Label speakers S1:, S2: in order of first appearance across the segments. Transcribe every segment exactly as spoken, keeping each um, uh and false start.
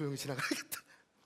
S1: 조용히 지나가야겠다.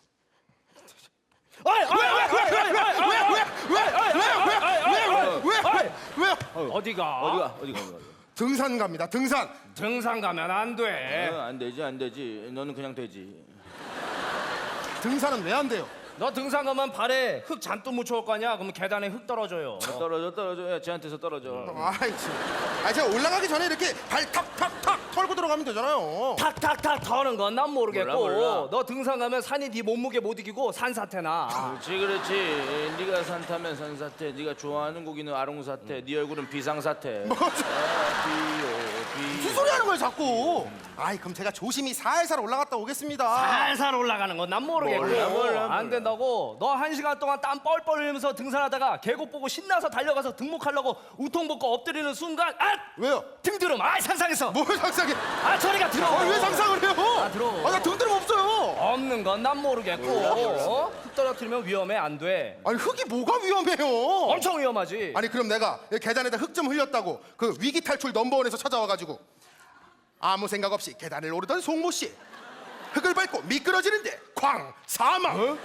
S2: 왜왜왜왜왜왜왜왜왜왜왜
S3: 어디가?
S2: 어디가 어디가 어디가?
S1: 등산 갑니다. 등산.
S3: 등산 가면 안 돼.
S2: 어, 안 되지 안 되지. 너는 그냥 되지.
S1: 등산은 왜 안 돼요?
S3: 너 등산 가면 발에 흙 잔뜩 묻혀올 거 아니야? 그러면 계단에 흙 떨어져요.
S2: 떨어져 떨어져. 야, 쟤한테서 떨어져.
S1: 아이 참. 아 제가 올라가기 전에 이렇게 발 탁탁탁 털고 들어가면 되잖아요.
S3: 탁탁탁 터는 건 난 모르겠고
S2: 몰라, 몰라.
S3: 너 등산 가면 산이 네 몸무게 못 이기고 산사태나.
S2: 그렇지 그렇지. 네가 산타면 산사태. 네가 좋아하는 고기는 아롱사태. 네 얼굴은 비상사태.
S1: 뭐죠?
S2: 아, 비요 비.
S1: 무슨 소리 하는 거예요 자꾸? 아이 그럼 제가 조심히 살살 올라갔다 오겠습니다.
S3: 살살 올라가는 건 난 모르겠고
S2: 몰라, 몰라, 몰라.
S3: 안 된다고. 너 한 시간 동안 땀 뻘뻘 흘리면서 등산하다가 계곡 보고 신나서 달려가서 등목하려고 우통 벗고 엎드리는 순간 아!
S1: 왜요?
S3: 등드름. 아 상상했어.
S1: 뭘 상상해?
S3: 아 저리가 들어.
S1: 아, 왜 상상을 해요?
S3: 아, 들어.
S1: 아, 나 등드름 없어요.
S3: 없는 건 난 모르겠고 어? 흙 떨어뜨리면 위험해. 안 돼.
S1: 아니 흙이 뭐가 위험해요?
S3: 엄청 위험하지.
S1: 아니 그럼 내가 계단에다 흙 좀 흘렸다고 그 위기 탈출 넘버원에서 찾아와가지고 아무 생각 없이 계단을 오르던 송모 씨 흙을 밟고 미끄러지는데 쾅 사망.
S3: 어?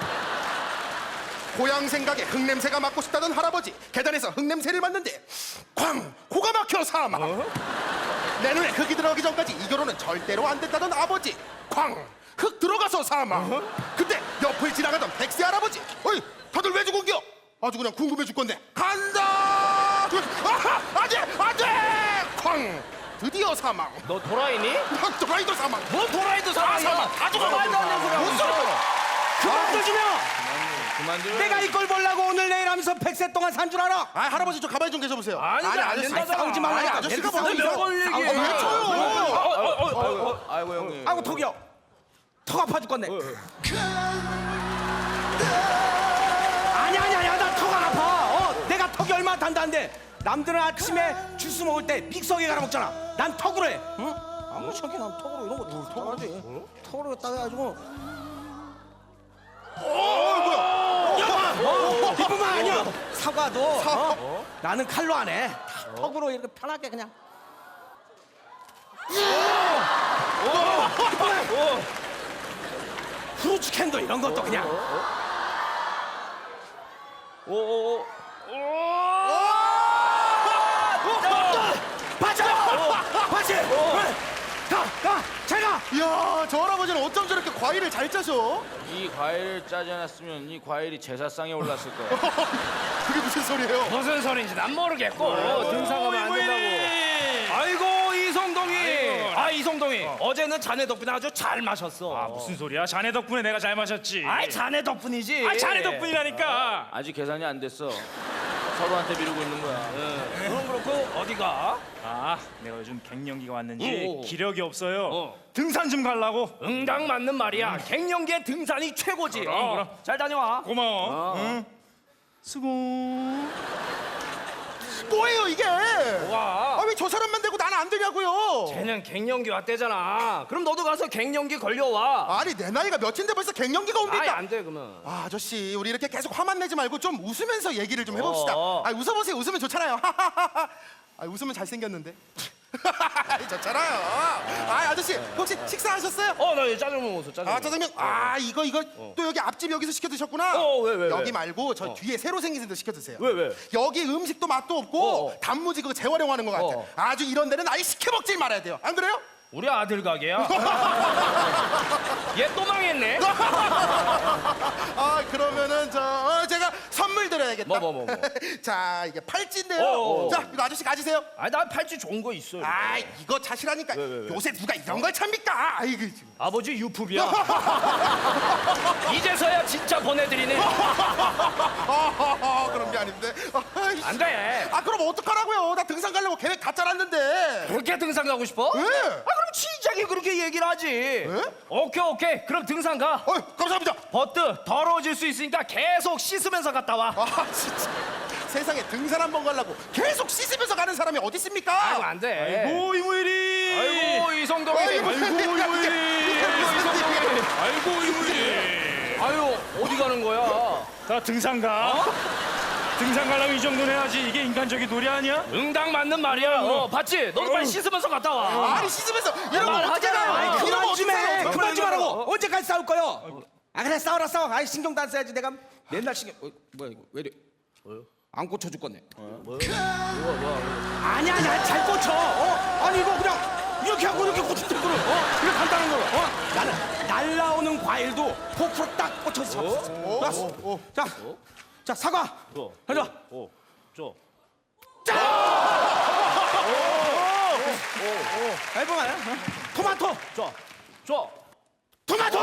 S1: 고향 생각에 흙 냄새가 맡고 싶다던 할아버지 계단에서 흙 냄새를 맡는데 쾅 코가 막혀 사망.
S3: 어?
S1: 내 눈에 흙이 들어가기 전까지 이 결혼은 절대로 안 된다던 아버지 쾅 흙 들어가서 사망.
S3: 어?
S1: 그때 옆을 지나가던 백세 할아버지 어이 다들 왜 죽은겨? 아주 그냥 궁금해 죽건데 간다. 아하 안돼 안돼 쾅 드디어 사망.
S3: 너 도라이니?
S1: 도라이도 사망.
S3: 뭐 도라이도 사망이야.
S1: 사망. 다 죽어.
S3: 말도 안 되는 소리야.
S1: 무슨 소리야?
S4: 그만 두지며
S2: 그만 좀.
S4: 내가 이걸 보려고 오늘 내일 하면서 백세 동안 산 줄 알아?
S1: 아 할아버지 좀 가만히 좀 계셔보세요.
S3: 아니, 안
S1: 아저씨
S3: 된다잖아.
S1: 싸우지 말라니까. 아니, 아저씨가
S4: 싸우지
S1: 먼저
S4: 몇
S1: 이상-
S3: 번 얘기해.
S1: 아, 왜 쳐요?
S2: 아이고 아이고 형님.
S4: 아이고 턱이요. 턱 아파 죽겠네. 아니야 아니야 아니야 나 턱 안 아파. 어 내가 턱이 얼마나 단단한데 남들은 아침에 주스 먹을 때 믹서기에 갈아 먹잖아. 난 턱으로 해. 응? 아무 저기 난 턱으로 이런 거 다 턱하지. 턱으로 따가지고. 어, 이뿐만 아니야. 사과도 어? 나는 칼로 안 해. 다 턱으로 이렇게 편하게 그냥. 후르츠 캔도 이런 것도 그냥.
S3: 오오오.
S4: 맞아! 맞지? 가! 가! 잘 가!
S1: 이야 저 할아버지는 어쩜 저렇게 과일을 잘 짜셔?
S2: 이 과일을 짜지 않았으면 이 과일이 제사상에 올랐을 거야.
S1: 그게 무슨 소리예요?
S3: 무슨 소린지 난 모르겠고 등산 가면 안 된다고. 아이고 이성동이. 아 이성동이. 어. 제는 자네 덕분에 아주 잘 마셨어.
S5: 아 무슨 소리야? 자네 덕분에 내가 잘 마셨지.
S3: 아이 자네 덕분이지.
S5: 아, 자네 덕분이라니까.
S2: 아직 계산이 안 됐어. 서로한테 미루고 있는 거야.
S3: 그럼 그렇고 어디가?
S5: 아 내가 요즘 갱년기가 왔는지
S3: 오.
S5: 기력이 없어요.
S3: 어.
S5: 등산 좀 가려고.
S3: 응당 맞는 말이야. 갱년기에 등산이 최고지.
S5: 그럼,
S3: 어.
S5: 그럼.
S3: 잘 다녀와.
S5: 고마워.
S3: 어.
S5: 응. 수고.
S1: 뭐예요 이게?
S3: 와.
S1: 아 왜 저 사람만 되고 나는 안 되냐고요?
S3: 쟤는 갱년기 왔대잖아. 그럼 너도 가서 갱년기 걸려와.
S1: 아니 내 나이가 몇인데 벌써 갱년기가
S3: 아이
S1: 옵니까?
S3: 안 돼 그러면.
S1: 아, 아저씨 우리 이렇게 계속 화만 내지 말고 좀 웃으면서 얘기를 좀 해봅시다.
S3: 어.
S1: 아 웃어보세요. 웃으면 좋잖아요. 아 웃으면 잘생겼는데. 좋잖아요. 아 아저씨 혹시 식사하셨어요?
S3: 어나 짜장면 먹었어. 짜장면.
S1: 아 짜장면. 아 이거 이거 또 여기 앞집 여기서 시켜 드셨구나.
S3: 어, 왜, 왜, 왜?
S1: 여기 말고 저 뒤에 새로 생긴 데서 시켜 드세요.
S3: 왜, 왜?
S1: 여기 음식도 맛도 없고
S3: 어, 어.
S1: 단무지 그거 재활용하는 것 같아.
S3: 어.
S1: 아주 이런 데는 아예 시켜 먹질 말아야 돼요. 안 그래요?
S3: 우리 아들 가게야. 얘 또 망했네.
S1: 아 그러면은 저 어, 제가 선물 드려야겠다.
S3: 뭐, 뭐, 뭐, 뭐.
S1: 자 이게 팔찌인데요.
S3: 어, 어.
S1: 자 이거 아저씨 가지세요.
S3: 아니 난 팔찌 좋은 거 있어.
S1: 아 이거 차시라니까.
S3: 왜, 왜, 왜?
S1: 요새 누가 이런 걸 찹니까? 아이고 지금.
S3: 아버지 유품이야. 이제서야 진짜 보내드리네.
S1: 아, 그런 게 아닌데. 아이씨.
S3: 안 돼.
S1: 아 그럼 어떡하라고요? 나 등산 가려고 계획 다 짜놨는데.
S3: 그렇게 등산 가고 싶어?
S1: 왜?
S3: 아 그럼 진작에 그렇게 얘기를 하지. 오케이 오케이. 그럼 등산 가.
S1: 어이 감사합니다.
S3: 버트 더러워질 수 있으니까 계속 씻으면서 갔다 와.
S1: 아 진짜 세상에 등산 한 번 가려고 계속 씻으면서 가는 사람이 어디 있습니까?
S3: 아이고 안 돼.
S5: 오 이무일이.
S3: 아이고 이성동이.
S1: 아이고,
S5: 아이고 이무일이.
S1: 이성동이.
S5: 아이고 이무일이.
S3: 아유 어디 가는 거야?
S5: 나 등산 가. 등산 가려면 이 정도는 해야지. 이게 인간적인 놀이 아니야?
S3: 응당 맞는 말이야. 어, 봤지? 너도 빨리 씻으면서 갔다 와.
S1: 아니 씻으면서 이런 걸 어떻게 해요?
S4: 아이,
S1: 이런 거
S4: 그만
S1: 어떻게
S4: 좀 해.
S1: 해요?
S4: 그만 좀 하라고. 언제까지 싸울 거요? 아 그래 싸워라 싸워. 아이 신경도 안 써야지. 내가 맨날 신경. 어, 뭐야 이거 왜 이래? 안 꽂혀 죽겠네. 아니야 아니야 잘 꽂혀. 어? 아니 이거 그냥 이렇게 하고 이렇게 꽂힌다 그래. 어? 이렇게 간단한 거로. 어? 나는 날라오는 과일도 포크로 딱 꽂혀서 잡았어. 알았어. 자, 자 사과. 가져.
S5: 줘.
S4: 앨범 아니야? 어? 토마토.
S3: 줘. 줘.
S4: 토마토.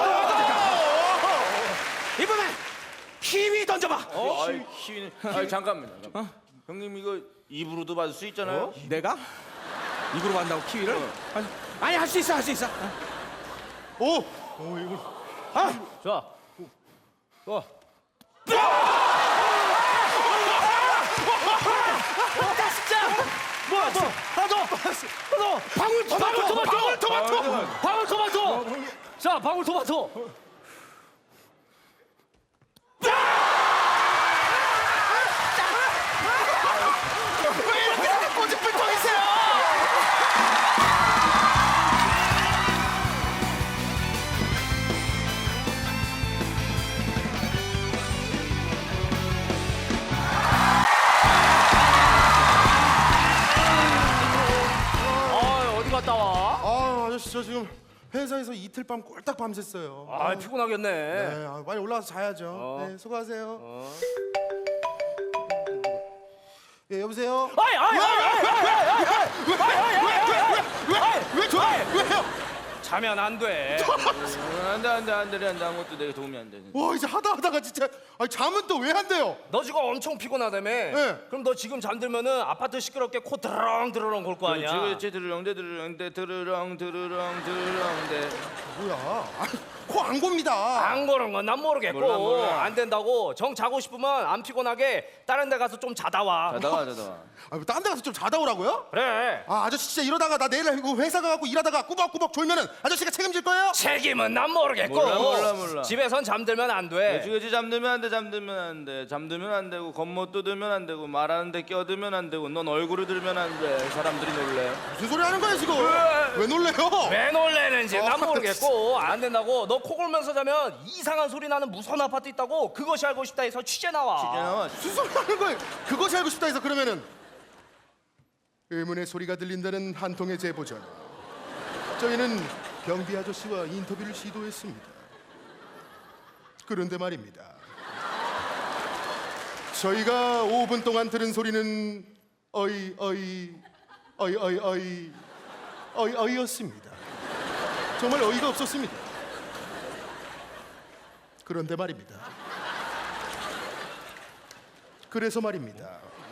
S4: 이번엔 키위 던져봐.
S2: 어? 아이 키위는 아이 잠깐만 잠깐만. 형님 이거 입으로도 받을 수 있잖아요.
S4: 내가 입으로 간다고 키위를? 아니, 아니 할 수 있어 할 수 있어.
S1: 오,
S4: 아,
S3: 자. 어. 뭐야, 뭐? 하나 더! 하나 더!
S4: 방울 토마토.
S3: 방울 토마토! 방울 토마토! 자, 방울 토마토!
S1: 왜 이렇게 꼬집불통이세요?
S3: 아, 어디 갔다 와?
S1: 아 아저씨 저 지금 회사에서 이틀 밤 꼴딱 밤샜어요.
S3: 아, 피곤하겠네.
S1: 네, 아, 빨리 올라와서 자야죠. 네, 수고하세요. 예, 여보세요?
S3: 아이, 아이, 아이, 아이, 아이,
S1: 왜 저래? 왜요?
S3: 자면 안 돼.
S2: 안돼 안돼 안돼 안돼 아무것도 내가 도움이 안 돼.
S1: 와 이제 하다 하다가 진짜 아니, 잠은 또 왜 안 돼요?
S3: 너 지금 엄청 피곤하다며? 그럼 너 지금 잠들면은 아파트 시끄럽게 코 드렁 드렁 골 거 아니야?
S2: 그렇지 그렇지 드르렁대 드르렁대 드르렁 드르렁 드르렁대.
S1: 뭐야? 코 안 곱니다.
S3: 안 그런 건 난 모르겠고
S2: 몰라, 몰라.
S3: 안 된다고 정 자고 싶으면 안 피곤하게 다른 데 가서 좀 자다 와.
S2: 자다가 자다가.
S1: 아, 뭐 딴 데 가서 좀 자다 오라고요?
S3: 그래.
S1: 아 아저씨 진짜 이러다가 나 내일 이거 회사 가갖고 일하다가 꾸벅꾸벅 졸면은 아저씨가 책임질 거예요?
S3: 책임은 난 모르겠고
S2: 몰라, 몰라, 몰라.
S3: 집에선 잠들면 안 돼.
S2: 그렇지 그렇지 잠들면 안 돼 잠들면 안 돼 잠들면 안 되고 겉못 뜯으면 안 되고 말하는데 껴들면 안 되고 넌 얼굴을 들면 안 돼 사람들이 놀래.
S1: 무슨 소리 하는 거야 지금? 왜 놀래요?
S3: 왜 놀래는지
S1: 어,
S3: 난 모르겠고 안 된다고. 너 코 골면서 자면 이상한 소리 나는 무서운 아파트 있다고. 그것이 알고 싶다 해서 취재 나와.
S2: 이제 나와.
S1: 무슨 소리 하는 거예요? 그것이 알고 싶다 해서 그러면은 의문의 소리가 들린다는 한 통의 제보 전화. 저희는 경비 아저씨와 인터뷰를 시도했습니다. 그런데 말입니다. 저희가 오 분 동안 들은 소리는 어이 어이 어이 어이 어이 어이 어이였습니다. 정말 어이가 없었습니다. 그런데 말입니다. 그래서 말입니다.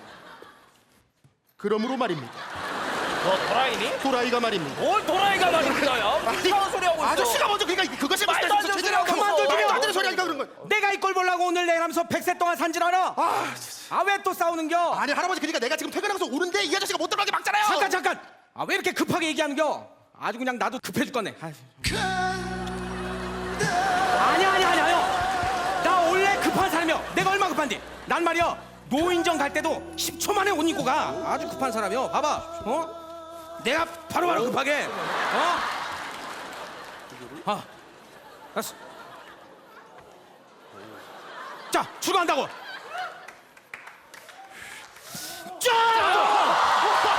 S1: 그러므로 말입니다.
S3: 너 도라이니?
S1: 도라이가 말입니다.
S3: 뭘 도라이가 말입니다. 야 무슨 이상한 소리 하고 있어.
S1: 아저씨가 먼저 그러니까 그것이
S3: 말도 안 되는 소리 하고
S1: 그만둬
S3: 있어.
S1: 말도 안 되는 소리 하니까 그런 거야.
S4: 내가 이 꼴 보려고 오늘 내일 하면서 백세 동안 산질하나?
S1: 아,
S4: 아 왜 또 싸우는겨?
S1: 아니 할아버지 그러니까 내가 지금 퇴근하고서 오는데 이 아저씨가 못 들어가게 막잖아요.
S4: 잠깐 잠깐. 아 왜 이렇게 급하게 얘기하는겨? 아주 그냥 나도 급해 죽겠네. 아이. 아니야 아니야 아니야. 나 원래 급한 사람이야. 내가 얼마 급한데? 난 말이야 노인정 갈 때도 십 초 만에 옷 입고 가. 아주 급한 사람이야. 봐봐. 어? 내가 바로바로 급하게. 어? 아, 알았어. 자 출근한다고. 자!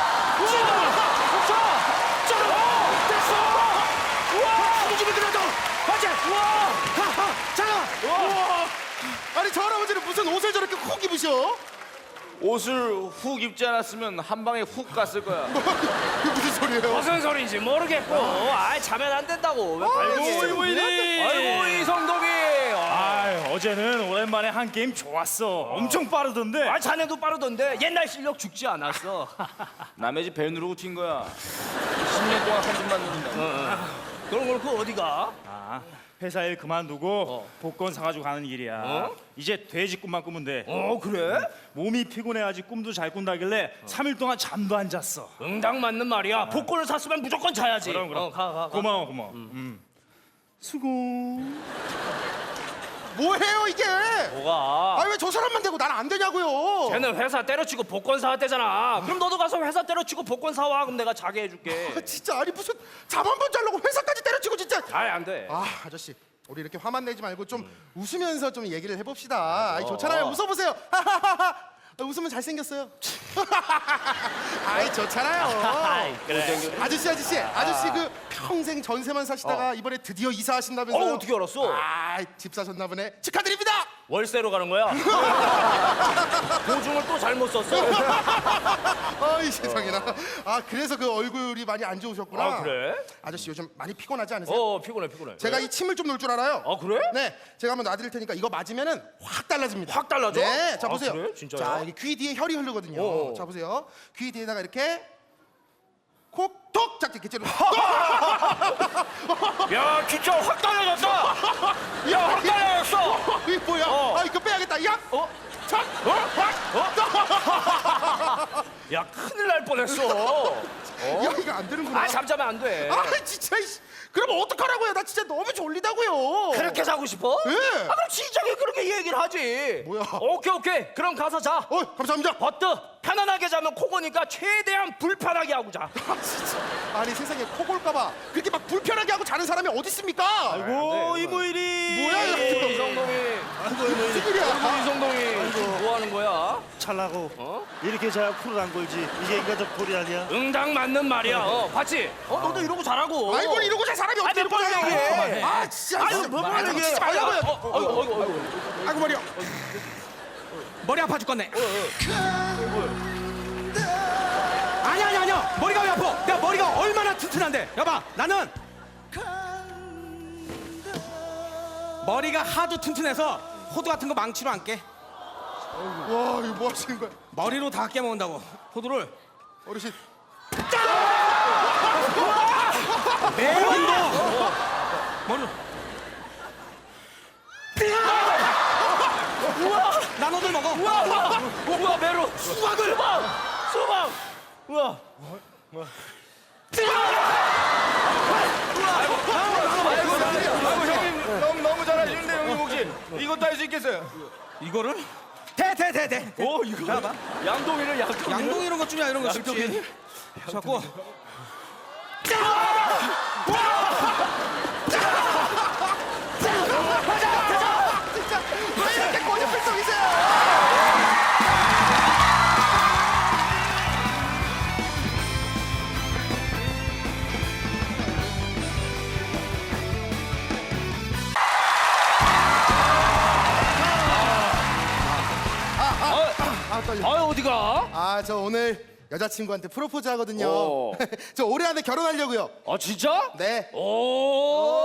S1: 아니 저 할아버지는 무슨 옷을 저렇게 콕 입으셔?
S2: 옷을 훅 입지 않았으면 한 방에 훅 갔을 거야.
S1: 그게 무슨 소리예요?
S3: 무슨 소리인지 모르겠고. 아 자면 안 된다고. 왜 발기?
S5: 이모이니.
S3: 아이고 이성동이. 아,
S5: 아, 어제는 오랜만에 한 게임 좋았어. 엄청 빠르던데.
S3: 아 자네도 빠르던데 옛날 실력 죽지 않았어.
S2: 남의 집 벨 누르고 튄 거야. 십 년 동안 한 집만 누른다.
S3: 그럼 그렇고 어디 가?
S5: 아, 회사 일 그만두고 복권 사가지고 가는 길이야.
S3: 어?
S5: 이제 돼지 꿈만 꾸면 돼.
S3: 어 그래?
S5: 몸이 피곤해야지 꿈도 잘 꾼다길래 삼 일 동안 잠도 안 잤어.
S3: 응당 맞는 말이야. 복권을 샀으면 무조건 자야지.
S5: 그럼 그럼.
S3: 어, 가, 가, 가.
S5: 고마워 고마워. 음. 수고.
S1: 뭐해요 이게?
S3: 뭐가?
S1: 아니 왜 아니 저 사람만 되고 난 안 되냐고요.
S3: 걔는 회사 때려치고 복권 사왔대잖아. 그럼 너도 가서 회사 때려치고 복권 사와. 그럼 내가 자게 해줄게.
S1: 아, 진짜 아니 무슨 잠 한 번 자려고 회사까지 때려치고 진짜.
S3: 아이 안 돼.
S1: 아 아저씨 우리 이렇게 화만 내지 말고 좀 웃으면서 좀 얘기를 해봅시다. 아이, 좋잖아요. 웃어보세요. 하하하하. 웃으면 잘생겼어요. 아이 좋잖아요.
S3: 그래.
S1: 아저씨 아저씨 아저씨 그 평생 전세만 사시다가 이번에 드디어 이사하신다면서요.
S3: 어, 어떻게 알았어?
S1: 아집 사셨나 보네. 축하드립니다.
S3: 월세로 가는 거야? 보증을 또 잘못 썼어.
S1: 아이 세상에나. 아 그래서 그 얼굴이 많이 안 좋으셨구나.
S3: 아, 그래?
S1: 아저씨 요즘 많이 피곤하지 않으세요?
S3: 어 피곤해 피곤해.
S1: 제가 이 침을 좀 놓을 줄 알아요.
S3: 아, 그래?
S1: 네, 제가 한번 놔드릴 테니까 이거 맞으면은 확 달라집니다.
S3: 확 달라져?
S1: 네, 자
S3: 아,
S1: 보세요.
S3: 그래? 진짜요?
S1: 자 여기 귀 뒤에 혈이 흐르거든요.
S3: 어.
S1: 자 보세요. 귀 뒤에다가 이렇게 콕톡 짝 이렇게 찌르.
S3: 야 진짜 확 달라졌다. 야 확 달라졌어.
S1: 이게 뭐야?
S3: 어.
S1: 아 이거 빼야겠다. 야,
S3: 어?
S1: 착, 어, 확.
S3: 야 큰일 날 뻔했어.
S1: 야 이거 안 되는구나.
S3: 아 잠자면 안 돼.
S1: 아 진짜. 이씨. 그럼 어떡하라고요? 나 진짜 너무 졸리다고요.
S3: 그렇게 자고 싶어?
S1: 예.
S3: 아 그럼 진작에 그렇게 얘기를 하지.
S1: 뭐야?
S3: 오케이 오케이. 그럼 가서 자.
S1: 어, 감사합니다.
S3: 버트 편안하게 자면 코고니까 최대한 불편하게 하고 자.
S1: 아 진짜. 아니 세상에 코 골까봐 그렇게 막 불편하게 하고 자는 사람이 어디 있습니까?
S5: 오 이모일이.
S1: 뭐야 이거?
S3: 이성동이.
S1: 무슨 일이야?
S3: 아이고 이성동이. 뭐 하는 거야?
S5: 찰나고
S3: 어?
S5: 이렇게 자야 풀을 안 걸지. 이게 인간적 도리 아니야?
S3: 응당 맞는 말이야. 어, 봤지? 어, 너도 이러고 잘하고.
S1: 아이고 이러고 잘 사람이 어떻게
S3: 아니, 몇 번을 얘기해.
S1: 아 진짜.
S3: 아유,
S1: 진짜.
S3: 몇 번을
S1: 아이고,
S3: 얘기해.
S1: 치지 말라고요.
S3: 어, 어, 어이구, 어이구, 어이구.
S1: 아이고 머리야.
S4: 머리 아파 죽겠네. 아니 아니 아니야. 머리가 왜 아파? 내가 머리가 얼마나 튼튼한데. 여봐, 나는 머리가 하도 튼튼해서 호두 같은 거 망치로 안 깨.
S1: 와 이거 뭐 하시는 거야?
S4: 머리로 다 깨먹는다고. 호두를
S1: 어르신.
S4: 매운도 머리로. 우와, 나눠들 먹어.
S3: 우와, 우와, 우와, 메로. 수박을. 수박, 수박. 우와.
S2: 아이고 형님 너무 너무 잘하시는데 형님 혹시 이것도 할 수 있겠어요?
S4: 이거를 대 대 대 대.
S3: 오, 이거.
S4: 봐봐.
S3: 양동이를 양동.
S4: 양동 이런 것 중이야 이런 거 쉽지. 자꾸
S1: 진짜 왜 이렇게 고집불통이세요? 아 떨려.
S3: 아, 어디가?
S1: 아 저 오늘 여자친구한테 프로포즈 하거든요.
S3: 오.
S1: 저 올해 안에 결혼하려고요.
S3: 아, 진짜?
S1: 네.
S3: 오.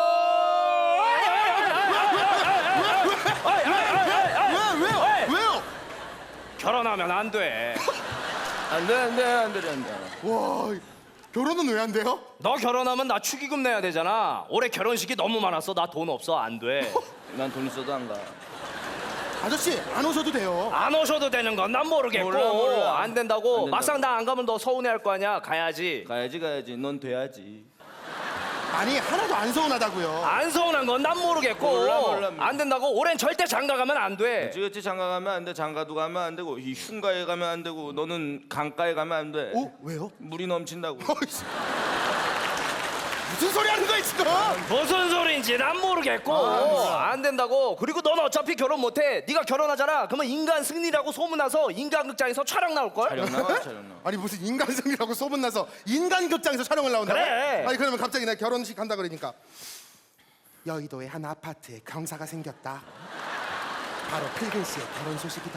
S1: 왜 왜요? 왜요?
S3: 결혼하면 안 돼.
S2: 안돼 안돼 안돼 안돼.
S1: 와 결혼은 왜 안 돼요?
S3: 너 결혼하면 나 축의금 내야 되잖아. 올해 결혼식이 너무 많았어. 나 돈 없어. 안 돼.
S2: 난 돈 있어도 안 가.
S1: 아저씨 안 오셔도 돼요.
S3: 안 오셔도 되는 건 난 모르겠고.
S2: 몰라, 몰라.
S3: 안 된다고.
S2: 안 된다고.
S3: 막상 나 안 가면 너 서운해할 거 아니야. 가야지.
S2: 가야지 가야지. 넌 돼야지.
S1: 아니 하나도 안 서운하다고요.
S3: 안 서운한 건 난 모르겠고.
S2: 몰라, 몰라.
S3: 안 된다고. 올해는 절대 장가 가면 안 돼.
S2: 찌그찌 장가 가면 안 돼. 장가도 가면 안 되고 이 흉가에 가면 안 되고 너는 강가에 가면 안 돼.
S1: 어 왜요?
S2: 물이 넘친다고.
S1: 어이씨. 무슨 소리 하는 거야 지금?
S3: 무슨 소리인지 난 모르겠고.
S2: 아,
S3: 안 된다고. 그리고 넌 어차피 결혼 못해. 네가 결혼하잖아. 그러면 인간 승리라고 소문나서 인간극장에서 촬영 나올걸?
S2: 촬영 나와 촬영 나와.
S1: 아니 무슨 인간성이라고 소문나서 인간극장에서 촬영을 나온다고?
S3: 그래.
S1: 아니 그러면 갑자기 나 결혼식 한다 그러니까 여의도의 한 아파트에 경사가 생겼다. 바로 필근 씨의 결혼 소식이다.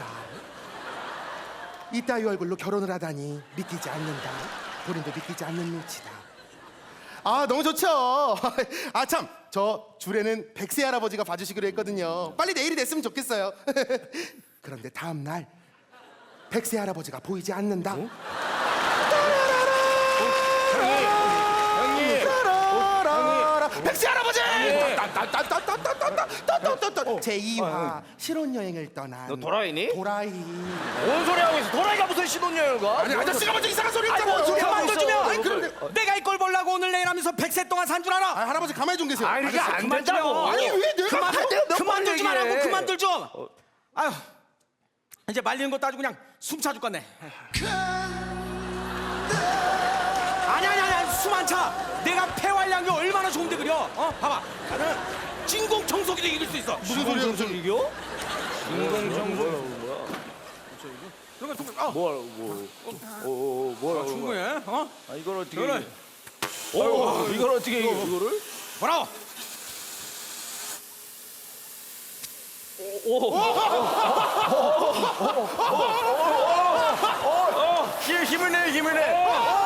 S1: 이따위 얼굴로 결혼을 하다니 믿기지 않는다. 본인도 믿기지 않는 눈치다. 아 너무 좋죠. 아 참 저 주례는 백세 할아버지가 봐주시기로 했거든요. 빨리 내일이 됐으면 좋겠어요. 그런데 다음 날 백세 할아버지가 보이지 않는다.
S3: 형님.
S1: 백세 할아버지!
S3: 형님.
S1: 따따따따따따따따따따따 제이 화 신혼여행을 떠난
S3: 너 도라이니?
S1: 도라이.
S3: 뭔 소리 하고 있어? 도라이가 무슨 신혼여행을 가?
S1: 아니 아저씨가 먼저 이상한 소리
S3: 아니,
S1: 했잖아요.
S3: 뭐 어떻게
S4: 그만
S3: 하고
S4: 좀
S3: 있어?
S4: 주면.
S1: 아니 그런데
S4: 내가 이꼴 보려고 오늘 내일 하면서 백세 동안 산 줄 알아?
S1: 아, 할아버지 가만히 좀 계세요.
S3: 아니, 이게
S1: 아저씨,
S3: 안
S1: 그만
S3: 된다고.
S1: 좀. 아니 왜 내가
S4: 그만
S3: 할 때가 몇
S4: 그만들 좀
S3: 번
S4: 하라고
S3: 얘기해.
S4: 그만들 좀. 아유, 이제 말리는 것도 아주 그냥 숨 차 죽겠네. 아니 아니 아니 숨 안 차. 내가 폐활량이 얼마나 좋은데 그려. 어 봐봐. 나는 진공 청소기도 이길 수 있어.
S1: 무슨 소리야 무슨
S3: 이겨?
S2: 인공청소
S4: 이거 좀 어,
S2: 뭐야 뭐 어, 뭐야
S4: 충분해. 어?
S2: 아, 이걸 어떻게
S4: 그래.
S2: 이겨? 오, 이걸 어떻게 이겨 이거를?
S4: 뭐라고?
S2: 힘, 힘을 내 힘을 내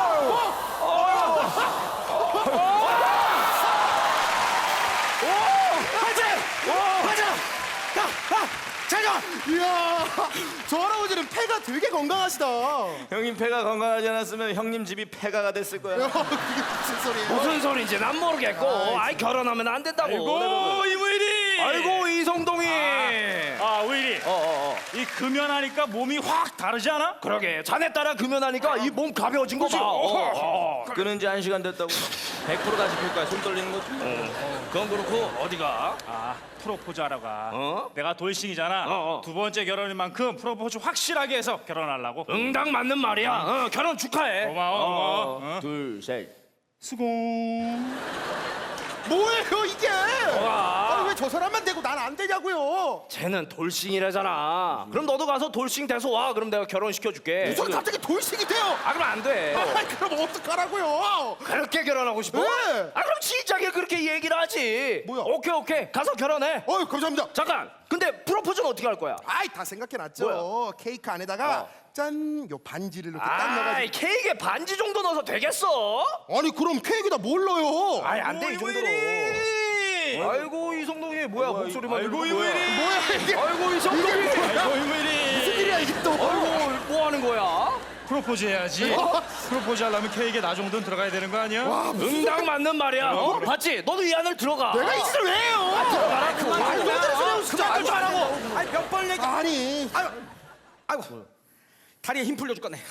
S4: 자자.
S1: 이야 저 할아버지는 폐가 되게 건강하시다.
S2: 형님 폐가 건강하지 않았으면 형님 집이 폐가가 됐을 거야.
S1: 그게 무슨 소리예요?
S3: 무슨 소리인지 난 모르겠고. 아이 결혼하면 안 된다고.
S5: 아이고 이무일이.
S3: 아이고 이성동이.
S5: 아 우일이.
S2: 어, 어, 어.
S5: 이 금연하니까 몸이 확 다르지 않아?
S3: 그러게 자네 따라 금연하니까 이 몸 가벼워진 거 봐. 어, 어.
S2: 끊은 지 한 시간 됐다고. 백 퍼센트 다시 필 거야. 손 떨리는 거지.
S3: 그건 그렇고 어디가?
S5: 아 프로포즈 하러 가.
S3: 어?
S5: 내가 돌싱이잖아.
S3: 어, 어.
S5: 두 번째 결혼인 만큼 프로포즈 확실하게 해서 결혼하려고.
S3: 응당 맞는 말이야. 어, 결혼 축하해.
S5: 고마워 고마워. 어.
S2: 둘, 셋.
S5: 수공.
S1: 뭐예요 이게?
S3: 아.
S1: 아니 왜 저 사람만 되고 난 안 되냐고요?
S3: 쟤는 돌싱이라잖아. 그럼 너도 가서 돌싱 돼서 와. 그럼 내가 결혼시켜 줄게.
S1: 무슨 갑자기 돌싱이 돼요?
S3: 아 그럼 안 돼.
S1: 아 그럼 어떡하라고요?
S3: 그렇게 결혼하고 싶어?
S1: 네.
S3: 아 그럼 진작에 그렇게 얘기를 하지.
S1: 뭐야?
S3: 오케이 오케이 가서 결혼해.
S1: 어이 감사합니다.
S3: 잠깐. 근데 프로포즈는 어떻게 할 거야?
S1: 아이 다 생각해놨죠.
S3: 뭐야?
S1: 케이크 안에다가 짠 요 반지를 이렇게 딱 넣어가지고.
S3: 아이 케이크에 반지 정도 넣어서 되겠어?
S1: 아니 그럼 케이크에다 뭘 넣어요?
S3: 아이 안 돼 이 정도로. 아이고 이성동이 뭐야 목소리만
S5: 아이고,
S3: 들리고
S5: 이거
S3: 뭐야.
S5: 이리.
S1: 뭐야 이게?
S3: 아이고 이성동이.
S5: 아이고 이무일이.
S1: 무슨 일이야 이게 또?
S3: 아이고 뭐 하는 거야?
S5: 프로포즈 해야지. 프로포즈 하려면 케이크에 나 정도는 들어가야 되는 거 아니야?
S1: 와,
S3: 응당 맞는 말이야. 어? 봤지? 너도 이 안을 들어가.
S1: 내가 이 짓을 왜 해요?
S3: 들어가라 그거.
S1: 아니 왜 그러세요 진짜?
S4: 그만 좀 하라고. 아니 몇 번 얘기.
S1: 아니
S4: 아유, 아이고 다리에 힘 풀려 죽겠네.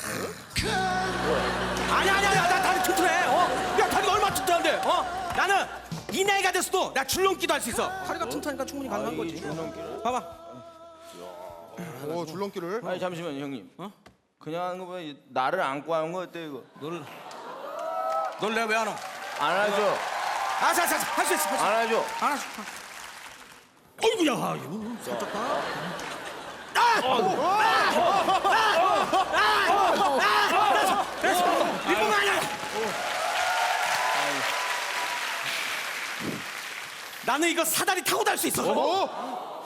S4: 아니 아니 아니 나 다리 튼튼해. 어? 야 다리가 얼마나 튼튼한데? 어? 나는 이 나이가 됐어도 나 줄넘기도 할 수 있어. 다리가 튼튼하니까 충분히 가능한 거지. 봐봐.
S1: 어 줄넘기를.
S2: 아니 잠시만요 형님. 어? 그냥 하는 거 보면 나를 안고 하는 거 어때 이거?
S4: 너를 널 내가 왜 안 와?
S2: 안 하죠.
S4: 아자자 할 수 있어. 할 수 있어.
S2: 안 하죠.
S4: 안 하죠. 어이구야 이거 살짝 봐. 이뿐만 아니야. 나는 이거 사다리 타고 달 수 있어.
S1: 어?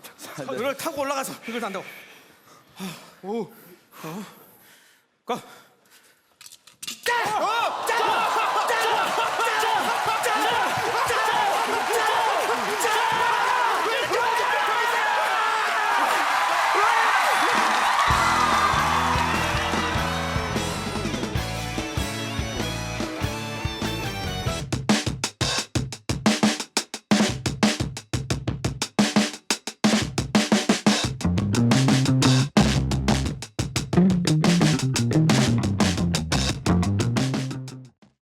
S4: 이걸 타고 올라가서 이걸 단다고. 오. 가.